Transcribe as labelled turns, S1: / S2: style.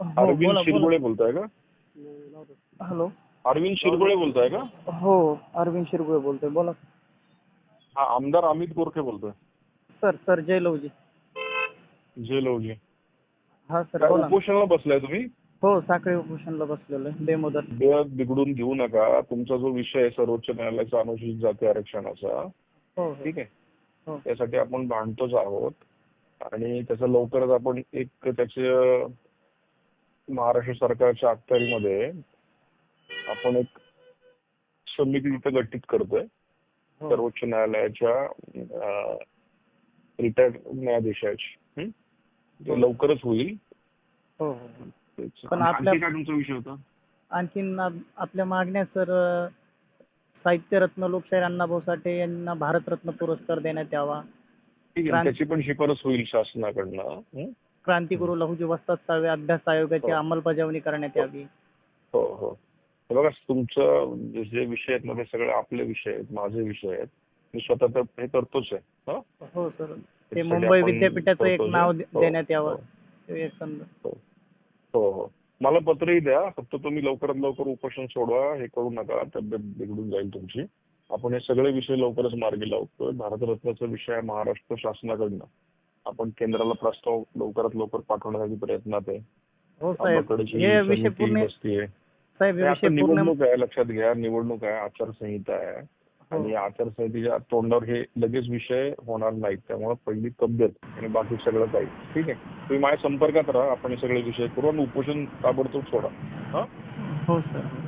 S1: हो
S2: अरविंद
S1: बोला बोला.
S2: शिरगोळे बोलताय का?
S1: हॅलो.
S2: अरविंद शिरगोळे बोलताय का?
S1: हो अरविंद शिरगुळे बोलतोय, बोला.
S2: हा, आमदार अमित गोरखे बोलतोय.
S1: सर सर जय लवजी.
S2: जे लवजी.
S1: हा सर
S2: काय
S1: बोला.
S2: उपोषणाला बसलाय तुम्ही?
S1: हो साखळी उपोषणला बसलेलो आहे बेमुदत.
S2: वेळ बिघडून घेऊ नका. तुमचा जो विषय आहे सर्वोच्च न्यायालयाचा अनुसूचित जाती आरक्षणाचा,
S1: हो
S2: ठीक आहे,
S1: हो
S2: त्यासाठी आपण भांडतोच आहोत आणि त्याचं लवकरच आपण एक त्याचे महाराष्ट्र सरकारच्या अखत्यारीमध्ये आपण एक समिती तिथे गठीत करतोय.
S1: हो
S2: सर्वोच्च न्यायालयाच्या रिटायर्ड न्यायाधीशाची. ते लवकरच होईल.
S1: हो हो.
S2: तेच.
S1: पण
S2: आणि
S1: आपल्या
S2: आणखी काय तुमचा विषय होता?
S1: आणखीन आपल्या मागण्या सर, साहित्यरत्न लोकशाहीर अण्णाभाऊ साठे यांना भारतरत्न पुरस्कार देण्यात यावा.
S2: ठीक आहे, त्याची पण शिफारस होईल शासनाकडनं.
S1: क्रांतिगुरु लहुजी वस्ताद साळवे अभ्यास आयोगाची
S2: हो.
S1: अंमलबजावणी करण्यात यावी.
S2: हो हो. हे बघा, तुमचं जे विषय आहेत ना ते सगळे आपले विषय आहेत, माझे विषय आहेत. मी स्वतः तर हे करतोच आहे. हं?
S1: हो सर. ते
S2: त्यासाठी
S1: मुंबई
S2: आपण
S1: विद्यापीठाचं एक
S2: करतोच
S1: नाव
S2: आहे. हो,
S1: देण्यात यावं.
S2: हो,
S1: ते एक समजा.
S2: हो. हो हो. मला पत्रही द्या. फक्त तुम्ही लवकरात लवकर उपोषण सोडवा. हे करू नका, तब्येत बिघडून जाईल तुमची. आपण हे सगळे विषय लवकरच मार्गी लावतोय. भारतरत्नाचा विषय आहे महाराष्ट्र शासनाकडनं. आपण केंद्राला प्रस्ताव लवकरात लवकर पाठवण्यासाठी प्रयत्नात आहे.
S1: हो साहेब,
S2: आंबाकडची
S1: हे विषय
S2: समिती
S1: पूर्ण
S2: बसतीये.
S1: साहेब, हे
S2: हे
S1: विषय
S2: आता
S1: पूर्ण.
S2: निवडणूक आहे, लक्षात घ्या. निवडणूक आहे, आचारसंहिता आहे.
S1: हो.
S2: आणि आचारसंहितेच्या तोंडावर हे लगेच विषय होणार नाहीत. त्यामुळे पहिली तब्येत आणि बाकी सगळं काही. ठीक आहे, तुम्ही माझ्या संपर्कात राहा. आपण हे सगळे विषय करू आणि उपोषण ताबडतोब सोडा. हा.
S1: हो सर.